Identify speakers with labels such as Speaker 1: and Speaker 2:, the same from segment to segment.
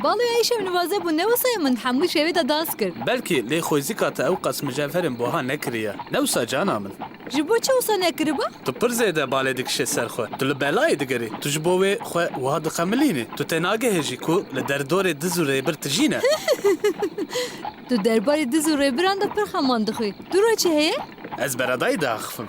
Speaker 1: باڵی ئەیشە نوازە بوو نەوەسای من هەموو شێوێتە داس کرد
Speaker 2: بەلکی لێ خۆزی کاتە ئەو قەس مجەفەرم بۆها نەکریە نەوسا جانا من
Speaker 1: ji bo çi wisa nekiriba?
Speaker 2: Tu pir zêde balê dikişe ser xwe tu li belayê digerî tu ji bo wê xwe wiha dixemilînî tu tê nagehê jî ku li derdorê diz û rêbir tijîne
Speaker 1: Tu derbarê diz û rêbiran de pir xeman dixwî. Dûra çi heye?
Speaker 2: ez beredayî diaxivim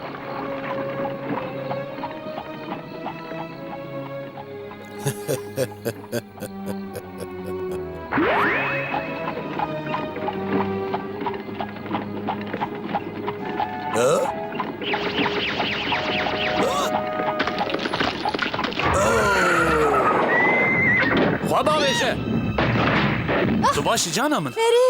Speaker 2: xwe bavêje tu başî cana min
Speaker 1: Erê!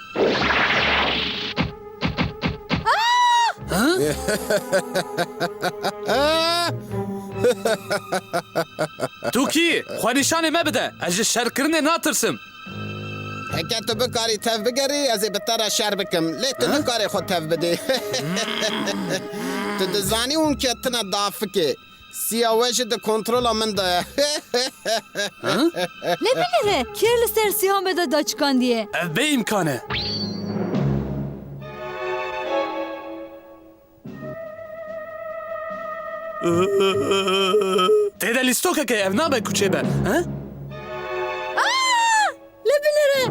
Speaker 2: tu kî xwe nîşanê me bide ez ji şerkirinê natirsim
Speaker 3: Heke tu bikarî tev bigerî ez ê bi te re şer bikim. Lê tu nikarî xwe tev bidê. Tu dizanî hûn ketine dafikê. Siya we jî di kontrola min de ye.
Speaker 1: Ne bilire? Kêr li ser sîhan me de daçikandiye.
Speaker 2: ev bê îmkan e têde lîstokeke ev nabe kuçê be
Speaker 1: Ne bilire?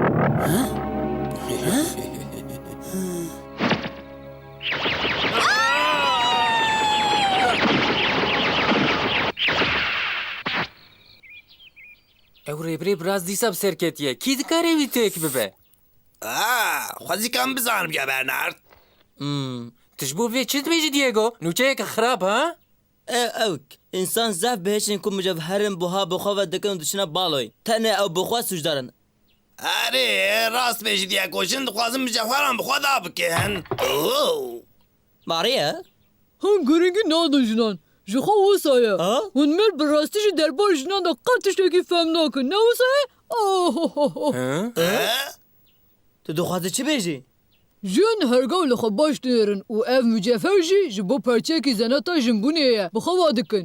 Speaker 4: Ew rêbirê biraz dîsa bi serketiye. Kî dikare wî têk bibe?
Speaker 5: Xwezîkan bizanim ya Bernard.
Speaker 4: Tu ji bo vê çi dibêjî Diego? Nûçeyeke xirab ha?
Speaker 6: Ewk, însan zef bihêşin ku micevherin buha bi xwe ve dikin û diçine baloy. Tenê ew bi xwe sûcdarin.
Speaker 5: Erê rast bêjî diye koşin dixwazim micevheran bi xwe da bikin.
Speaker 6: Mariye?
Speaker 7: Hûn giringî nadin jinan. Ji xwe wisa ye. Hûn mir bi rastî ji derbarê jinan de qet tiştekî fehm nakin. Ne wisa ye?
Speaker 6: Tu dixwazî çi bêjî?
Speaker 7: Jiyan hergav li xwe baş dêrin û ev mücefer jî ji bo perçekî zeneta jinbûnê ye. Bi xwe wa dikin.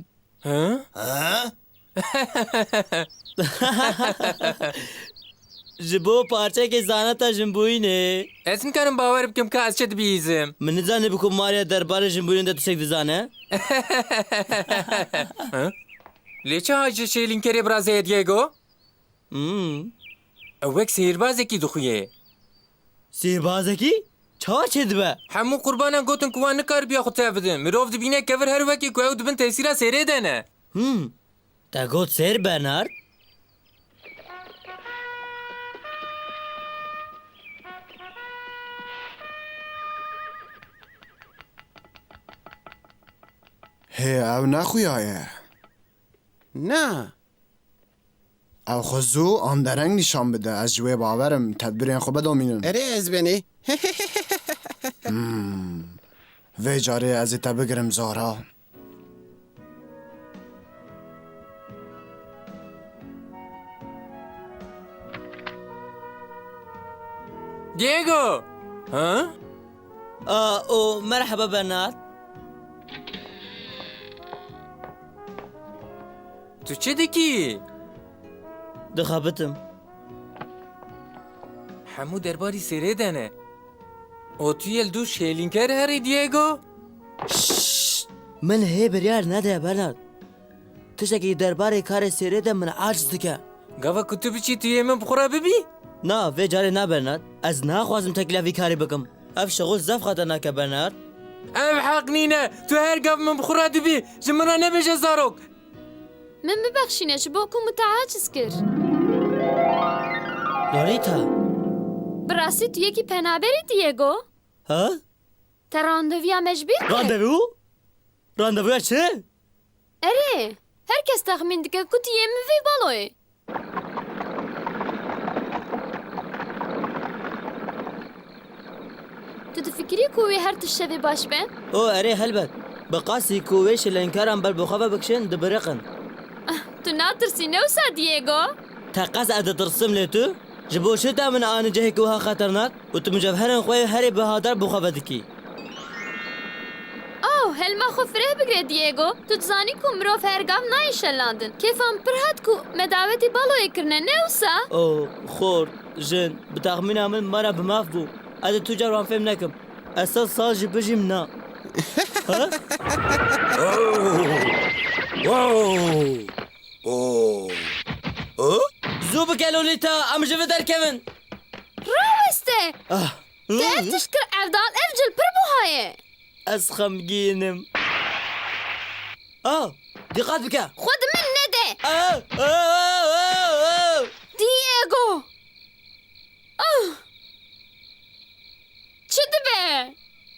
Speaker 6: Ji bo parçekê zaneta jinbûyînê.
Speaker 4: Ez nikarim bawer bikim ka ez çi dibîzim.
Speaker 6: Min nizanî bi ku Mariya derbarê jinbûnê de tiştek dizane?
Speaker 4: Lê çi hacî şêlînkerê biraz heye Diego? Ew wek sêrbazekî dixuye.
Speaker 6: Sîrbazekî? Çawa çê dibe?
Speaker 4: Hemû qurbanan gotin ku wan nikaribiya xwe tev bidin. Mirov dibîne kevir her wekî ku ew dibin tesîra sêrê de ne.
Speaker 6: Te got sêr Bernard?
Speaker 8: Hê ew nexuyaye.
Speaker 3: Na.
Speaker 8: Ew xwe zû an dereng nîşan bide ez ji wê bawerim tedbirên xwe bedomînin.
Speaker 3: Erê ez benî.
Speaker 8: Vê carê ez ê te bigirim Zara.
Speaker 4: Diego! Ha?
Speaker 6: O merhaba Bernard.
Speaker 4: Tu çi dikî?
Speaker 6: Dixebitim.
Speaker 4: Hemû derbarî sêrê de ne. O tu yê li dû şêlînker herî Diego?
Speaker 6: Min hê biryar nede Bernard. Tiştekî derbarê karê sêrê de min aciz dike.
Speaker 4: Gava ku tu biçî tu yê min bixura bibî?
Speaker 6: Na, vê carê na Bernard. Ez naxwazim tekila vî karî bikim. Ev şexûl zef xetenake Bernard.
Speaker 4: Ev heq nîne. Tu her gav min bixura dibî. Ji min re nebêje zarok.
Speaker 9: Min bibexşîne ji bo ku min te aciz kir.
Speaker 6: Lolita.
Speaker 9: Bi rastî tu yekî penaberî Diego?
Speaker 6: Ha?
Speaker 9: Te randevuya me ji bîr kir?
Speaker 6: Randevu? Randevuya çi?
Speaker 9: Erê, herkes texmîn dike ku tu yê min vê baloyê. Tu difikirî ku wê her tişt şevê baş be?
Speaker 6: O erê helbet. Bi qasî ku wê şilenkaran ber bi xwe ve bikişin dibiriqin.
Speaker 9: Tu natirsî ne wisa Diego?
Speaker 6: Te qas editirsim lê tu? Ji bo çi te min anî cihekî wiha xeternak û tu micevherên xwe herî bihadar bi xwe ve dikî?
Speaker 9: Oh, هلما خو فره بگره دیگو تو تزانی کو مرو فرگام نایشلاندن کیفام پرهات کو مداوتی بالوی کرنه نوسا
Speaker 6: او خور جن بتخمینم من مرا بماف بو از تو جوان فهم نکم اصلا سال جی بجیم نا زو بکه لولیتا ام جوه در کون
Speaker 9: روسته ده تشکر افدال افجل پر بوهایه
Speaker 6: از خمگینم دقت بکه
Speaker 9: خود من نده دیگو چه دبه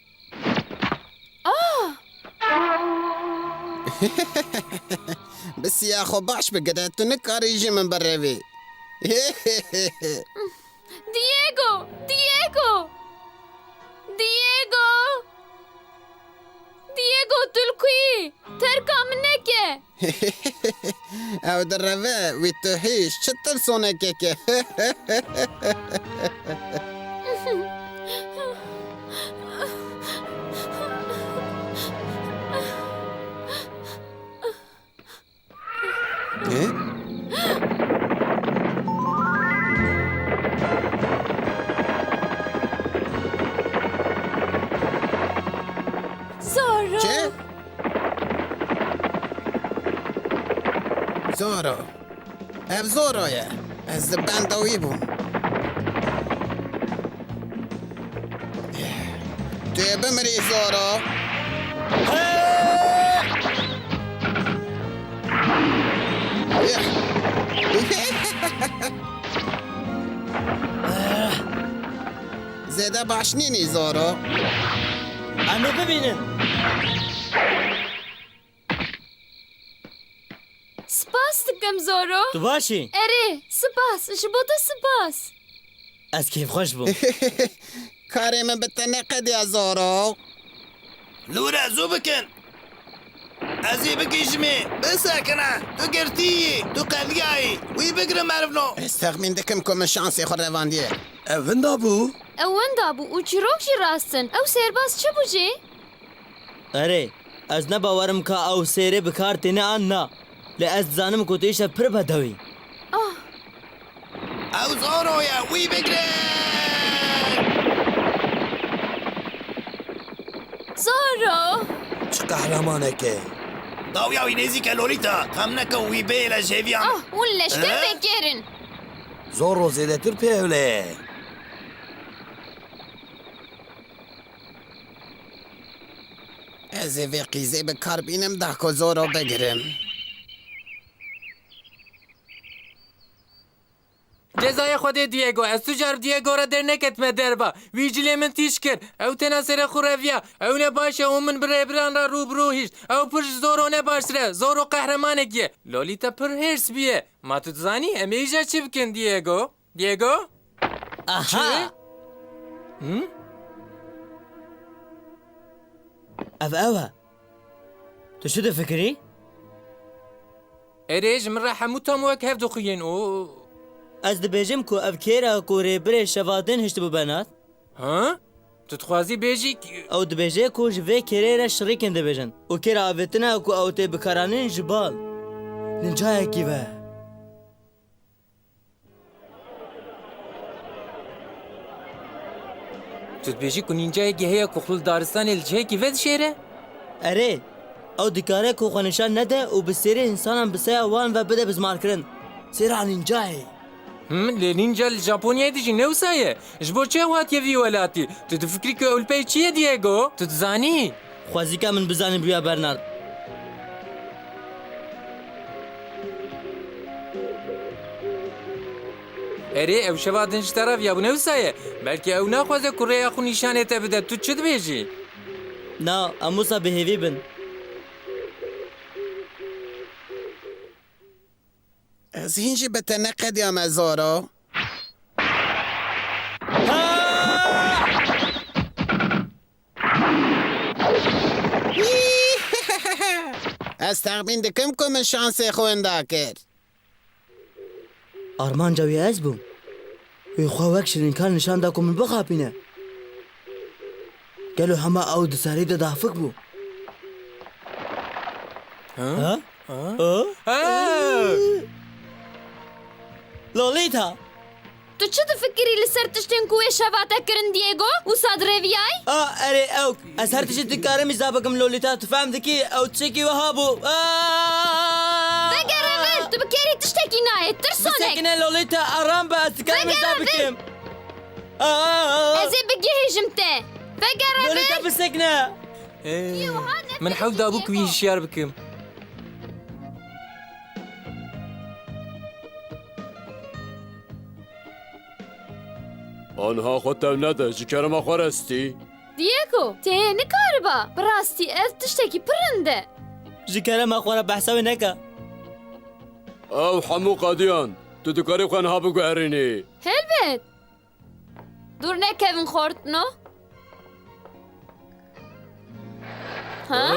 Speaker 3: بسیار خوب باش بگره تو نکاری من بروی
Speaker 9: دیگو تلکوی ترکام نکه
Speaker 3: او در روه وی تو هیش چطور سونه که
Speaker 9: زارو
Speaker 3: چه؟ زورو اف زورویه از بندوی بوم توی بمری زورو زیده باش نینی زورو
Speaker 6: امه ببینن
Speaker 9: سپاس دکم زارو
Speaker 6: تو باشی
Speaker 9: اره سپاس جبوتا سپاس
Speaker 6: از کیف خوش بو
Speaker 3: کاری من بتنه قدی زورو
Speaker 5: لورا زو بکن ازی بکشمی بسکنه تو گرتی تو قلگایی وی بگره مرفنو
Speaker 3: استخمین دکم که من شانسی خود رواندیه
Speaker 2: Evin da bu.
Speaker 9: اون دابو او چروک جی راستن او سرباز چه بوجی؟
Speaker 6: اره از نباورم که او سیره بکار تینه آن نا لی از زانم که تویش پر بدوی
Speaker 5: او زورویا وی بگره
Speaker 9: زارو
Speaker 5: چه قهرمانه که داویاوی نزیک لولیتا هم نکه وی بیل جویان
Speaker 9: اون لشکر بگیرن
Speaker 5: زورو زیده تر پیوله
Speaker 3: از وی قیزه به کار بینم ده که زورو بگیرم
Speaker 4: جزای خود دیگو از تو جرب دیگو را در نکت me derba ویجلی من تیش کر او تناسر خورویا او نباشه او من بران را روبرو هیش او پرش زورو نباشره زورو قهرمانه گیه لولیتا پر هرس بیه ما تو تزانی امی ایجا چی بکن دیگو؟
Speaker 6: آها اوه تو شو فکری؟
Speaker 4: اریج من را همو تامو اک هفدو خوین او
Speaker 6: از دبیجم که او کیرا کوری بره شوادن هشت ببنات
Speaker 4: ها؟ تو تخوازی بیجی
Speaker 6: او دبیجه که جوه کیره را شریکن دبیجن او کیرا آویتنا که او تی بکارانین جبال ننجای کیوه
Speaker 4: تو بیجی که نینجای گهیا کخلول دارستان الجه کی ود شیره؟
Speaker 6: اره او دکاره که خونشان نده و بسیره انسانم بسیار وان و بده بزمار کرن سیره نینجای
Speaker 4: لنینجا الژاپونیایی دیجی نوسایه جبو چه واتیه ویولاتی تو تفکری که اولپی چیه دیگو؟ تو تزانی؟
Speaker 6: خوازی که من بزنیم بیا برنارد
Speaker 4: اره او شوادنش طرف یا نوسایه بلکه او نخوازه کره خو نشانه تا بده تو چه دویجی؟
Speaker 6: نا اموسا بهیوی بن
Speaker 3: از هینجی بتنه قدی هم زورو از تخمین دکم که من شانسی خوینده کرد
Speaker 6: آرمان جوی از بوم وی خواهک شرین کار نشان دا که من بخوابینه گلو همه او دساری دا دافک بو ها؟ لۆلیتا
Speaker 9: تو چ دفکری لەسەر تشتێن کو وێ شەڤاتەکردن دیێگۆ و سادڕێڤیای؟
Speaker 6: ئەرێ ئەو ئەس هەر تشت کارەمی زابەکەم لۆلیتا تفام دکی ئەو چێکی وەها بوو
Speaker 9: بەگەڕێ تو بکێری تشتێکی نایێت ترسۆنێک
Speaker 6: ساکنە لۆلیتا ئارام بە ئەسکارمی زابکەم
Speaker 9: ئەزێ بگێژم تێ
Speaker 6: لۆلیتا
Speaker 9: بەگەڕێ
Speaker 6: بسەکنە
Speaker 4: من حەوت دابوو کوی شیار بکەم
Speaker 10: آنها خودتم نده جکرم خواستی؟
Speaker 9: دیێگۆ تێ نکاربە بڕاستی ئەف تشتێکی پرندە
Speaker 6: ji kerema xwe re behsa wê neke
Speaker 10: او حمو قادیان تو دکاری خوان ها بگوهرینی
Speaker 9: هەلبێت دوور نەکەون خۆردنۆ ها؟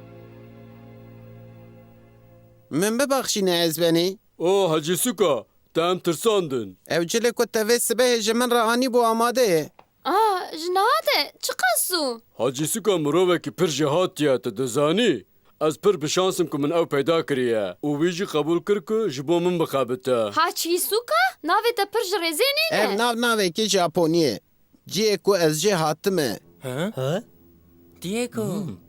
Speaker 3: من ببەخشینە ئەزبێنی
Speaker 10: او حجی سوکا تم ترساندن
Speaker 3: ئەو جلێک و تەvê sibehê ji min re anî bû amadeyê
Speaker 9: ji nade çi qesû
Speaker 10: حجی سوکا مرووکی پر جهاتیه تو دزانی از پر بشانسم که من او پیدا کریه او ویجی قبول کر که جبو من بخابته
Speaker 9: haçî sûka navê te pir ji rêzê
Speaker 3: ev
Speaker 9: nîne
Speaker 3: nav navekî Japoniyê ciyê ku ez jê hatime
Speaker 6: ha
Speaker 4: دیێگۆ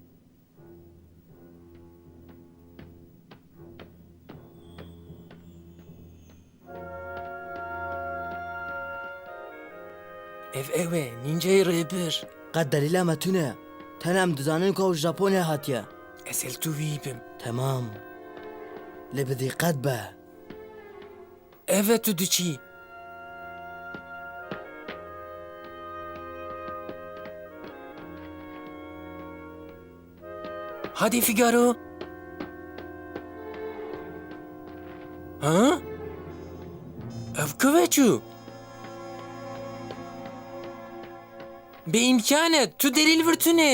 Speaker 4: ev ew e nînceyê rêbir
Speaker 6: qet delîla me tune tenê em dizanin ku ew ji Japonya hatiye
Speaker 4: ez ê li tu wî bim
Speaker 6: temam lê bi dîqet be
Speaker 4: ev e tu diçî Hadi Figaro. Ha? Ev kıveçu. بإمكانه تو دلیل ورتونه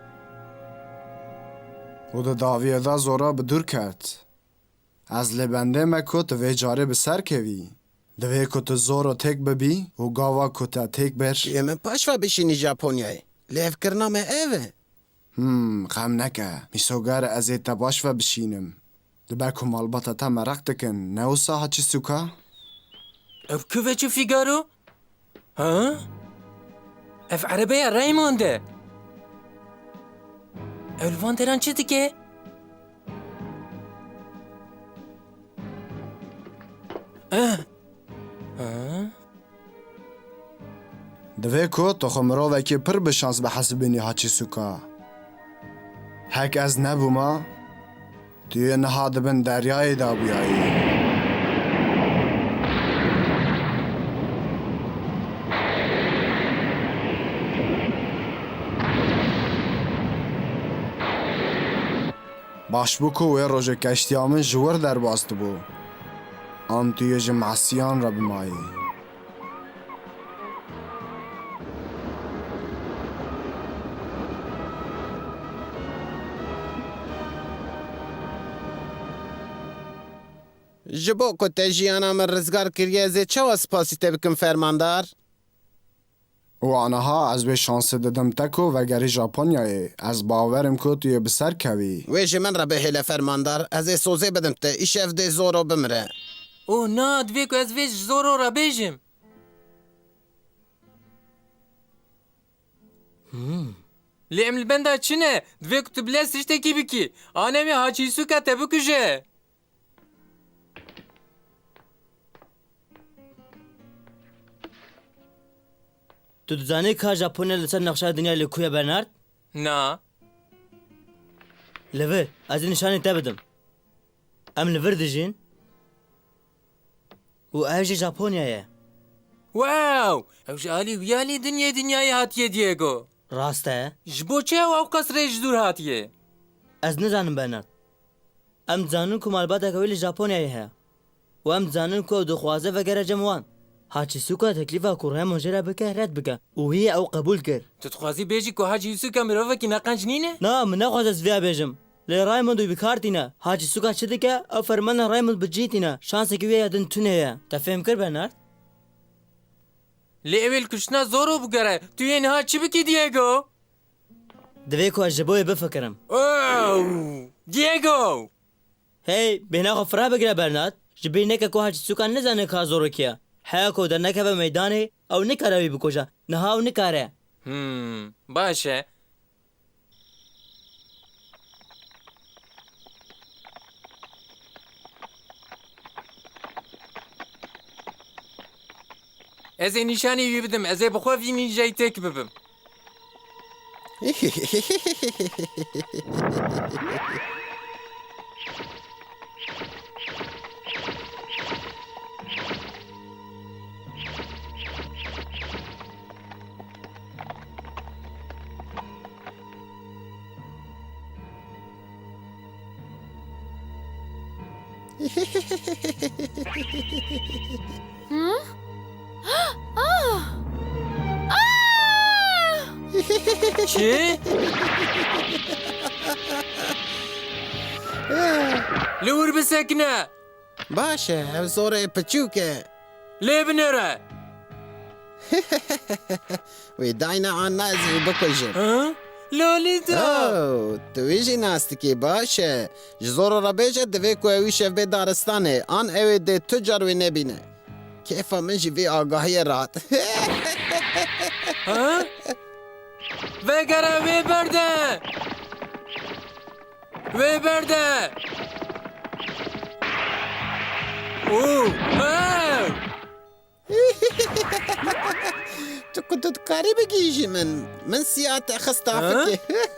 Speaker 8: و د داویه دا زورا به دور کرد از لبنده me ku tu vê carê bi ser kevî divê ku tu zor têk bibî û gava ku te têk ber
Speaker 3: Em min paş ve bişînî Japonyayê lêvkirina me ev e
Speaker 8: xem neke mîsoger ez ê te baş ve bişînim dibe ku malbata te mereq dikin ne wisa haçî sûka
Speaker 4: ev kıveçu Figaro. Ha? Ev arabeya Raymond'e. Ev vanderan çi dike?
Speaker 8: divê ku tu xwe mirovekî pir bi şans bi hesibînî haçî sûka hek ez nebûma tu yê niha dibin deryayê da bûyayî baş bû ku wê rojê keştiya min ji wir derbas dibû an tu yê ji mesiyan re bimayî
Speaker 3: Ji bo ku te jiyana min rizgar kiriye ez ê çawa spasî te bikim fermandar
Speaker 8: û aniha ez wê şansê didim te ku vegerî Japonyayê ez bawerim ku tu yê bi ser kevî
Speaker 3: wê ji min re bihêle fermandar ez ê sozê bidim te îşev dê zoro bimire
Speaker 4: Oh na divê ku ez vê ji zoro re bêjim. Lê em li benda çi ne? Divê ku tu bilez tiştekî bikî. Anemê haçîsûka te bikuje.
Speaker 6: Tu dizanî ka Japonya li ser nexşa dinya li ku ye Bernard
Speaker 4: Na.
Speaker 6: li vir ez ê nîşanê te bidim em li vir dijîn û ev jî Japonya ye
Speaker 4: Wow! Ew ji alî wiyalî dinyayê hatiye Diego.
Speaker 6: rast e
Speaker 4: Ji bo çi ew qas rê ji dûr hatiye?
Speaker 6: ez nizanim Bernard em dizanin ku malbateka wê li Japonyayê heye û em dizanin ku ew dixwaze vegere cem wan haçî sûka teklîfa ku Raymond jê re bike red bike û hî ew qebûl kir
Speaker 4: Tu dixwazî bêjî ku Hacîsûka mirovekî neqenc nîne?
Speaker 6: na min nexwaz ez vêya bêjim lê Raymond wî bikartîne haçî sûka çi dike ew fermana Raymond bicîtîne şansekî wê ya din tune ye te fêm kir Bernard
Speaker 4: Lê ew ê kuştina zoro bigere. Tu yê niha çi bikî Diego?
Speaker 6: divê ku ez ji bo wê bifikirim
Speaker 4: Oh! Diego!
Speaker 6: هی بێنا خۆ فرا بگرە بەرنات ji bêneke ku haçî sûkan nizane ka zorokiye heya ku dernekeve meydanê ew nikare wî bikoje niha ew nikare
Speaker 4: باش e Ez ê nîşanî wî bidim ez ê bi xwe vî nîjeyê têk bibim Çi? Li wir bisekine
Speaker 3: باشه ev zorê piçûk e
Speaker 4: lê binêre
Speaker 3: wê dayne an ez ê bikujim
Speaker 4: Lolîta
Speaker 3: tu wî jî nas dikî baş e ji zor re bêje divê ku ew wî şev bê daristanê an ew ê dê tu car wê nebîne kêfa min jî vê agahiyê rahat
Speaker 4: Vegere wê berde Wê berde
Speaker 3: tu ku tu dikarî bigîjî min siya te xista fikê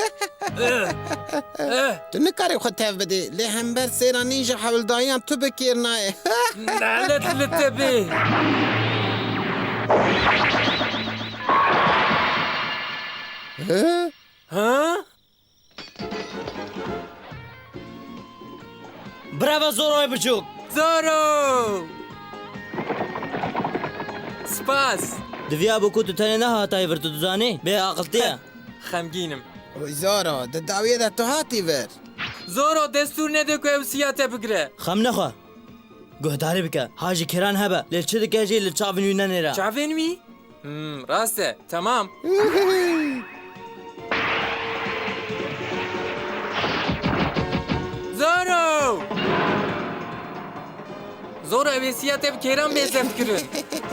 Speaker 3: tu nikarî xwe tev bidî lê hember sêranî ji hewildayiyan tu bikêr nayê
Speaker 4: Nalet li te bê
Speaker 6: Bravo zoroy biçûk
Speaker 4: Zoro Spas
Speaker 6: Diviya bû ku tu tenê nehatayî vir tu dizanî bê aqiltiye
Speaker 4: Xemgînim
Speaker 3: Wî zoro di dawiyê de tu hatî vir
Speaker 4: Zoro destûr nede ku ew siya te bigire
Speaker 6: xem nexe guhdarî bike ha jî kêran hebe lê çi dike jî li çavên wî nenêre
Speaker 4: Çavên wî? Rast e tamam Zoro Zoro ev ê siya te bi kêran bêzev kirin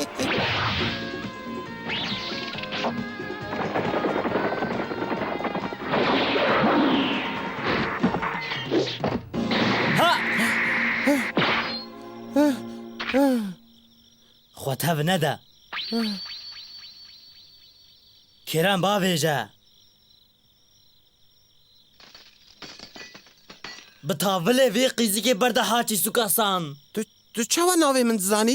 Speaker 6: xwe tev nede kêran bavêje bi tavilê vê qîzikê berde haçî sûkasan
Speaker 3: tu çawa navê min dizanî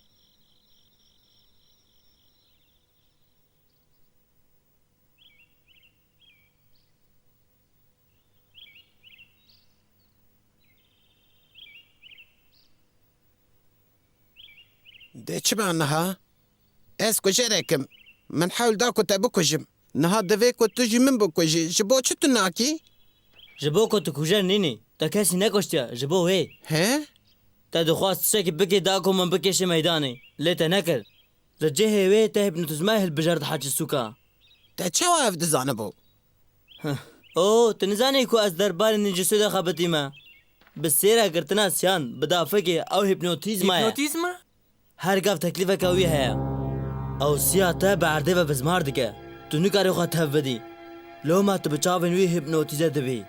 Speaker 3: dê çi be niha ez kujerekim min hewl da ku te bikujim niha divê ku tu jî min bikujî ji bo çi tu nakî
Speaker 6: ji bo ku tu kujer nînî te kesî nekoştiye ji bo wê
Speaker 3: he
Speaker 6: te dixwast tiştekî bikê da ku min bikêşe meydanê lê te nekir li cihê wê te hipnotîzma hilbijer di haçî sûka
Speaker 3: te çawa ev dizanibû
Speaker 6: o tu nizanî ku ez derbarê nîcîsû de xebitîme bi sêra girtina siyan bi dafekê ew hipnotîzma ye
Speaker 4: Hipnotîzma?
Speaker 6: her gav teklîfeke wî heye ew siya te bi erdê ve bizmar dike tu nikarî xwe tev bidî loma tu bi çavên wî hipnotîze dibî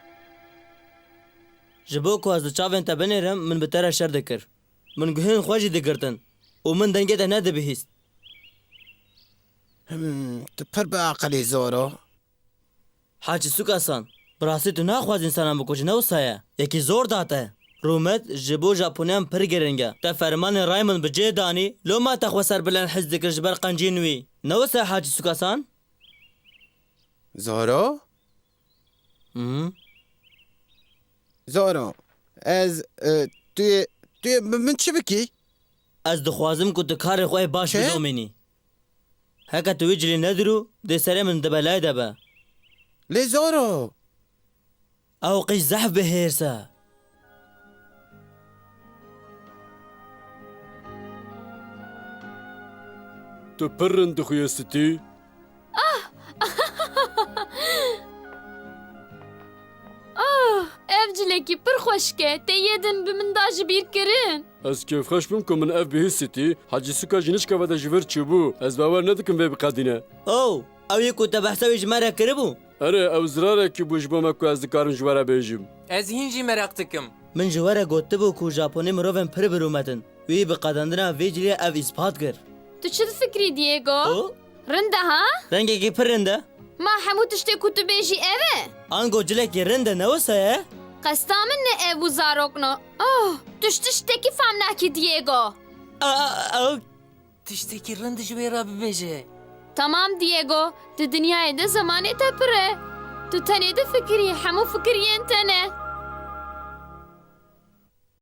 Speaker 6: ji bo ku ez di çavên te binêrim min bi te re şer dikir min guhên xwe jî digirtin û min dengê te nedibihîst
Speaker 3: tu pir bi aqilî zoro
Speaker 6: haçî sûkasan bi rastî tu naxwaz însanan bikujî ne wisa ye yekî zor date rûmet ji bo Japoniyan pir giring e te fermanên ray min bi cê danî loma te xwe serbilen hez dikir ji ber qenciyên wî ne wisa haçî sûkasan
Speaker 3: zoro zoro ez tu yê min çi bikî
Speaker 6: ez dixwazim ku tu karê xwe baş
Speaker 3: Çi?
Speaker 6: bidomînî heke tu wî cilî nedirû dê serê min di belayê de be
Speaker 3: lê zoro
Speaker 6: ew qî zehf bihêrse
Speaker 10: Tu pirin dixuyestî
Speaker 9: Ev cilekî pir خوشکه تیدن به من دا جبیر کرن
Speaker 10: Ez kêfxweş bim ku min ev bihîsîtî Hacî Sûka jî nişkeve de ji vir çûbû Ez bawer nedikim vê biqedîne
Speaker 6: ئەو ئەوی کو تە بەحسەوی ژمارە کربوو
Speaker 10: Erê ew zirarekî bû ji bo me ku ez dikarim ji we re bêjim
Speaker 4: Ez hîn jî merak dikim.
Speaker 6: من ji we re gotibû ku Japonê mirovên pir birûmetin wî bi qedendina vê cilê ev îspat kir
Speaker 9: Tu çi difikirî Diego? Rinda ha?
Speaker 6: rengekî pir rind e
Speaker 9: Ma hemû tiştê ku tu bêjî ev e?
Speaker 6: ango cilekî rind e newisa ye
Speaker 9: Qesta min ne ev û zarokno. Oh, tu ji tiştekî fam nakî Diego.
Speaker 6: ئەو
Speaker 4: Tiştekî rind ji wê re bibêje.
Speaker 9: Tamam Diego, di dinyayê de zamanê te pir e. Tu tenê difikirî hemû fikiriyên te ne.